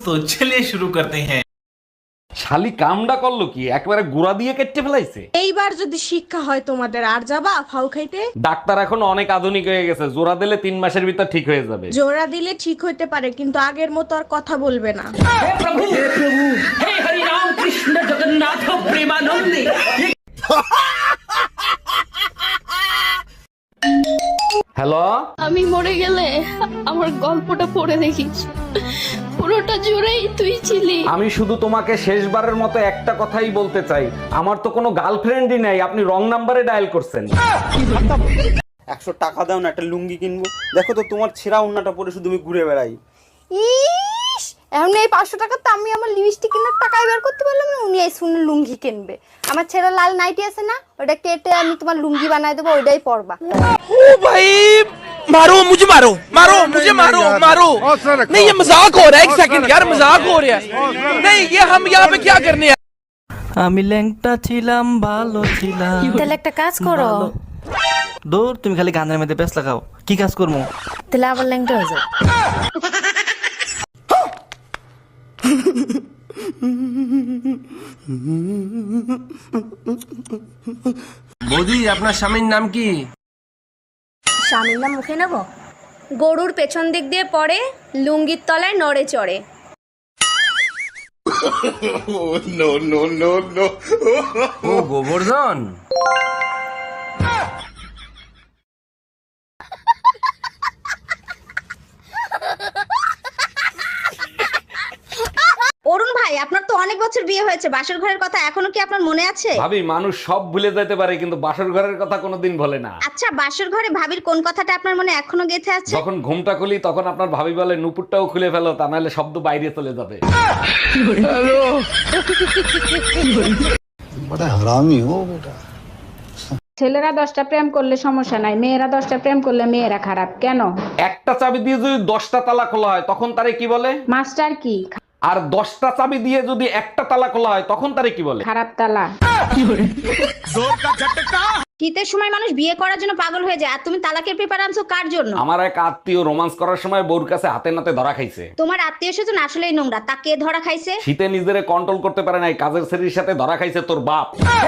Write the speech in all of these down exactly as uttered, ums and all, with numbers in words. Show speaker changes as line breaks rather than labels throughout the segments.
तो चलिए शुरू करते हैं।
শালি কামডা করলো কি, একবারে গুড়া দিয়ে কেটে ফেলাইছে।
এইবার যদি শিক্ষা হয় তোমাদের, আর যাবা ফাউ খাইতে?
ডাক্তার এখন অনেক আধুনিক হয়ে গেছে, জোড়া দিলে তিন মাসের ভিতর ঠিক হয়ে যাবে।
জোড়া দিলে ঠিক হইতে পারে, কিন্তু আগের মতো আর কথা বলবে না।
হ্যালো,
আমি মরে গেলে আমার গল্পটা পড়ে দেখিস, পুরোটা জুড়েই তুই ছিলি।
আমি শুধু তোমাকে শেষবারের মতো একটা কথাই বলতে চাই, আমার তো কোনো গার্লফ্রেন্ডই নাই, আপনি রং নাম্বারে ডায়াল করছেন।
একশো টাকা দাও না, একটা লুঙ্গি কিনবো। দেখো তো তোমার ছেঁড়া ওন্নাটা পরে শুধু আমি ঘুরে বেড়াই।
ইস, এখন এই পাঁচশো টাকা তো আমি আমার লিপস্টিক কেনার টাকাই বের করতে পারলাম না, উনি এই শুনে লুঙ্গি কিনবে। আমার ছেঁড়া লাল নাইটি আছে না, ওটা কেটে আমি তোমার লুঙ্গি বানাই দেবো, ওইটাই পরবা।
ओ भाई मारो मुझे, मारो मारो मुझे, मारो मारो। नहीं ये मजाक हो रहा है, एक सेकंड यार, मजाक हो रहा है। नहीं ये हम यहाँ पे क्या करने हैं।
আমি ল্যাংটা ছিলাম, ভালো ছিলাম।
তাহলে একটা কাজ করো,
দূর, তুমি খালি গানের মধ্যে ব্যস্ত লাগাও, কি কাজ করবো?
তাহলে আবার ল্যাংটা হয়ে যাও।
বৌদি আপনার স্বামীর নাম কি?
স্বামীর নাম মুখে নেব? গরুর পেছন দিক দিয়ে পড়ে, লুঙ্গির তলায় নড়ে চড়ে।
ও গোবর্ধন।
অরুণ ভাই, আপনার তো অনেক বছর বিয়ে হয়েছে, বাসর ঘরের কথা এখনো কি আপনার মনে আছে?
ভাবি, মানুষ সব ভুলে যেতে পারে কিন্তু বাসর ঘরের কথা কোনোদিন ভোলে না।
আচ্ছা, বাসর ঘরে ভাবির কোন কথাটা আপনার মনে এখনো গেঁথে আছে?
যখন ঘুমটা খুলি তখন আপনার ভাবি বলে নুপুরটাও খুলে ফেলো, তা নাহলে শব্দ বাইরে চলে যাবে।
ছেলেরা দশটা প্রেম করলে সমস্যা নাই, মেয়েরা দশটা প্রেম করলে মেয়েরা খারাপ কেন?
একটা চাবি দিয়ে যদি দশটা তালা খোলা হয় তখন তারে কি বলে?
মাস্টার কি?
আর দশটা চাবি দিয়ে যদি একটা তালা খোলা হয় তখন তারে কি বলে?
খারাপ তালা।
শীতের সময় মানুষ বিয়ে করার জন্য পাগল হয়ে যায়, আর তুমি তালাকের পেপার আনছো কার জন্য?
আমার এক আত্মীয় রোমান্স করার সময় বউর কাছে হাতে নাতে ধরা খাইছে।
তোমার আত্মীয় স্বজন আসলেই নোংরা, তা কে ধরা খাইছে?
শীতে নিজেরে কন্ট্রোল করতে পারে নাই, কাজের ছেলের সাথে ধরা খাইছে তোর বাপ।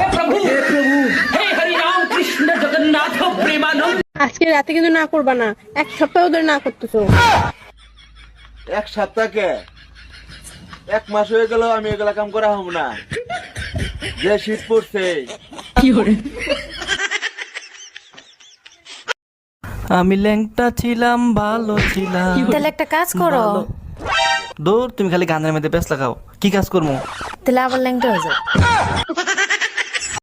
আজকে রাতে কিন্তু না করবা না, এক সপ্তাহ ধরে না করতেছো।
এক সপ্তাহকে এক মাস হয়ে গেল আমি এগুলা কাম করা হব না, যে শীত পড়ছে।
আমি ল্যাংটা ছিলাম, ভালো ছিলাম।
তাহলে একটা কাজ করো,
দূর, তুমি খালি গানের মধ্যে ব্যস্ত লাগাও, কি কাজ করবো?
তাহলে আবার ল্যাংটা হয়ে যাও।